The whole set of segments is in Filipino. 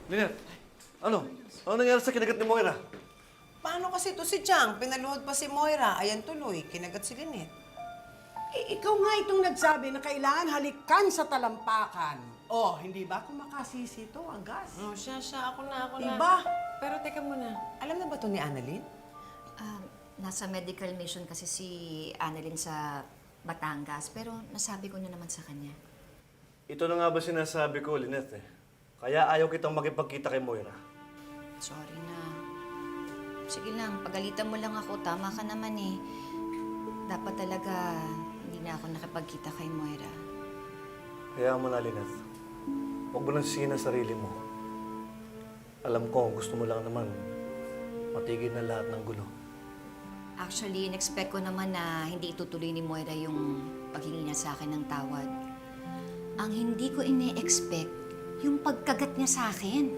Lynette, ano? Ano nangyari sa kinagat ni Moira? Paano kasi to si Chang? Pinaluhod pa si Moira. Ayan tuloy, kinagat si Lynette. Ikaw nga itong nagsabi na kailangan halikan sa talampakan. Oh, hindi ba kung makasisi to ang gas? Oh, siya. Ako na. Diba? Pero teka muna, alam na ba to ni Annalyn? Nasa medical mission kasi si Annalyn sa Batangas, pero nasabi ko na naman sa kanya. Ito na nga ba sinasabi ko, Lynette eh. Kaya ayaw kitang makipagkita kay Moira. Sorry na. Sige lang, pagalitan mo lang ako. Tama ka naman eh. Dapat talaga hindi na ako nakipagkita kay Moira. Kaya mo na, Lynette. Huwag mo nang sisihin ang sarili mo. Alam ko, gusto mo lang naman matigil na lahat ng gulo. Actually, in-expect ko naman na hindi itutuloy ni Moira yung paghingi niya sa akin ng tawad. Ang hindi ko ine-expect, yung pagkagat niya sa akin.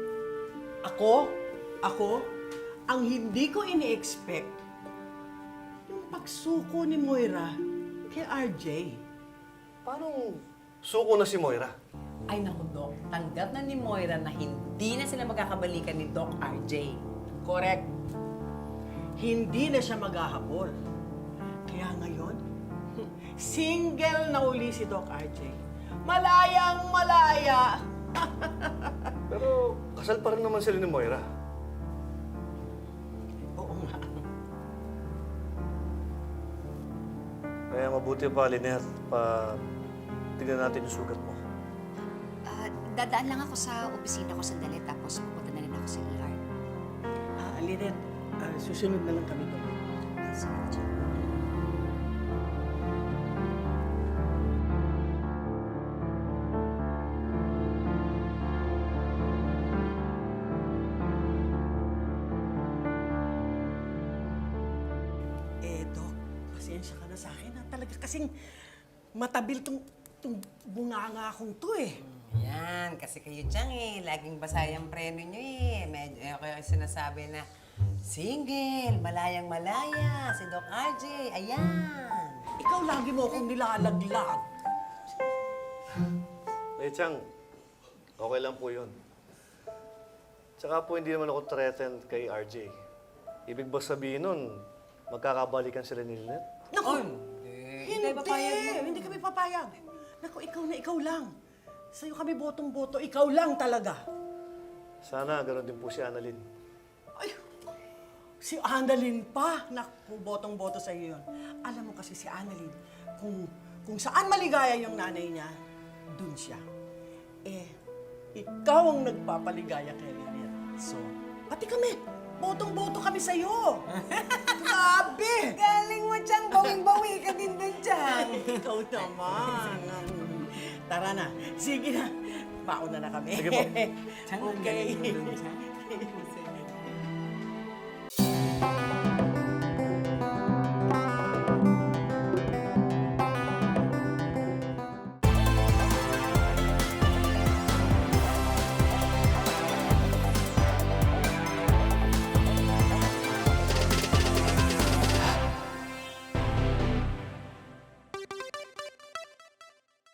Ako, ang hindi ko ini-expect, yung pagsuko ni Moira kay RJ. Paano suko na si Moira? Ay naku, Doc. Tanggap na ni Moira na hindi na sila magkakabalikan ni Doc RJ. Correct. Hindi na siya maghahabol. Kaya ngayon, single na uli si Doc RJ. Malayang malaya. Pero kasal pa rin naman sila ni Moira. Oo nga. Kaya mabuti pa, Lynette, tignan natin yung sugat mo. Dadaan lang ako sa opisina ko sandali, tapos pupunta na rin ako sa ER. Lynette, susunod na lang kami doon. Sige, Chang. Doc, pasensya ka na sa akin. Talaga kasing matabil tong bunganga akong to eh. Yan, kasi kayo Chang eh. Laging basa yung preno nyo eh. Medyo kayo sinasabi na single, malayang malaya, si Doc RJ. Ayan. Ikaw lagi mo akong nilalaglag. Chang, okay lang po yun. Tsaka po hindi naman ako threatened kay RJ. Ibig ba sabihin nun, magkakabalikan sila ni Lynette? Naku! Hindi papayag mo. Hindi kami papayag. Naku, ikaw na ikaw lang. Sa'yo kami botong-boto, ikaw lang talaga. Sana ganoon din po si Annalyn. Ay, si Annalyn pa. Naku, botong-boto sa'yo yun. Alam mo kasi si Annalyn, kung saan maligaya yung nanay niya, dun siya. Ikaw ang nagpapaligaya kay Lynette. So, pati kami, botong-boto kami sa'yo. Grabe! Galing mo, Chang. Bawing-bawi ka din dun, Chang. Ikaw naman. Tara na. Sige na. Mauna na kami. Sige po. Chang, ang Okay. galing mo dun, Chang.